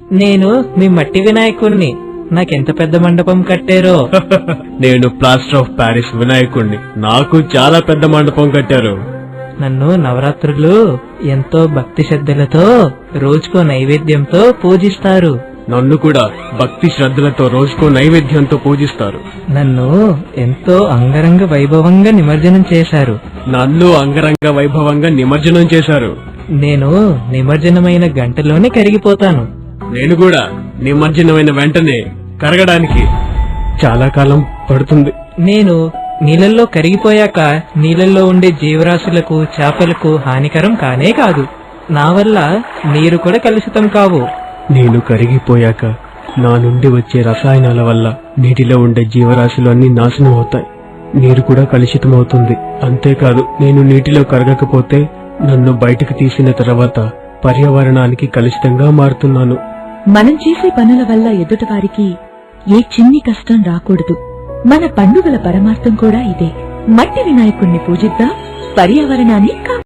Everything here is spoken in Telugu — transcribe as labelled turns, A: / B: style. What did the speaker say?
A: నేను మీ మట్టి వినాయకుణ్ణి. నాకెంత పెద్ద మండపం కట్టారో.
B: నేను ప్లాస్టర్ ఆఫ్ ప్యారిస్ వినాయకుణ్ణి. నాకు చాలా పెద్ద మండపం కట్టారు.
A: నన్ను నవరాత్రులు ఎంతో భక్తి శ్రద్ధలతో రోజుకో నైవేద్యంతో పూజిస్తారు.
B: నన్ను కూడా భక్తి శ్రద్ధలతో రోజుకో నైవేద్యంతో పూజిస్తారు.
A: నన్ను ఎంతో అంగరంగ వైభవంగా నిమజ్జనం చేశారు.
B: నన్ను అంగరంగ వైభవంగా నిమజ్జనం చేశారు.
A: నేను నిమజ్జనమైన గంటలోనే కరిగిపోతాను.
B: నేను కూడా నిమజ్జనమైన వెంటనే కరగడానికి చాలా కాలం పడుతుంది.
A: నేను నీళ్ళల్లో కరిగిపోయాక నీళ్ళల్లో ఉండే జీవరాశులకు చేపలకు హానికరం కానే కాదు. నా వల్ల నీరు కూడా కలుషితం కావు.
B: నేను కరిగిపోయాక నా నుండి వచ్చే రసాయనాల వల్ల నీటిలో ఉండే జీవరాశులు అన్ని నాశనం అవుతాయి. నీరు కూడా కలుషితం అవుతుంది. అంతేకాదు, నేను నీటిలో కరగకపోతే నన్ను బయటకు తీసిన తర్వాత పర్యావరణానికి కలుషితంగా మారుతున్నాను.
C: మనం చేసే పనుల వల్ల ఎదుటివారికి ఏ చిన్ని కష్టం రాకూడదు. మన పండుగల పరమార్థం కూడా ఇదే. మట్టి వినాయకుణ్ణి పూజిద్దాం, పర్యావరణాన్ని